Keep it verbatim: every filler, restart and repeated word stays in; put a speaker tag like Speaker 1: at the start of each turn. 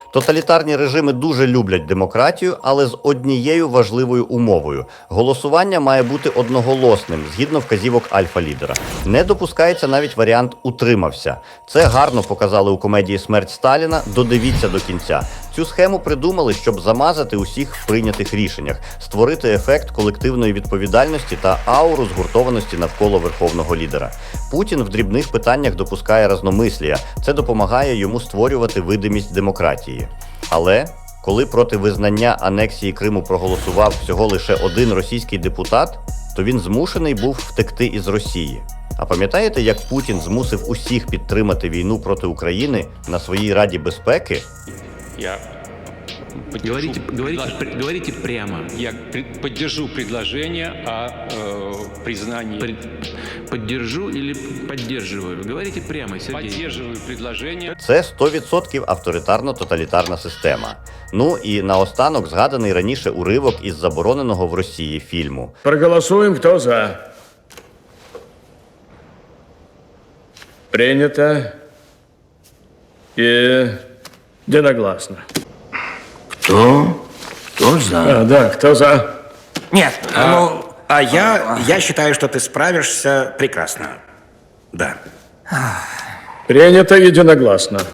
Speaker 1: Тоталітарні режими дуже люблять демократію, але з однією важливою умовою. Голосування має бути одноголосним, згідно вказівок альфа-лідера. Не допускається навіть варіант «утримався». Це гарно показали у комедії «Смерть Сталіна», додивіться до кінця. Цю схему придумали, щоб замазати усіх в прийнятих рішеннях, створити ефект колективної відповідальності та ауру згуртованості навколо верховного лідера. Путін в дрібних питаннях допускає разномислія. Це допомагає йому створювати видимість демократії. Але коли проти визнання анексії Криму проголосував всього лише один російський депутат, то він змушений був втекти із Росії. А пам'ятаєте, як Путін змусив усіх підтримати війну проти України на своїй Раді безпеки?
Speaker 2: Я
Speaker 3: Говорите, говорите, при- говорите прямо.
Speaker 2: Я пред- поддержу предложение о э, признании.
Speaker 3: При- Поддержу или поддерживаю? Говорите прямо, Сергей.
Speaker 2: Поддерживаю предложение.
Speaker 1: Це сто відсотків авторитарно-тоталітарна система. Ну і наостанок згаданий раніше уривок із забороненого в Росії фільму.
Speaker 4: Проголосуем, кто за. Принято. И единогласно.
Speaker 5: Кто? Кто за?
Speaker 4: А, да, кто за?
Speaker 5: Нет, ну, а я, я считаю, что ты справишься прекрасно. Да.
Speaker 4: Принято единогласно.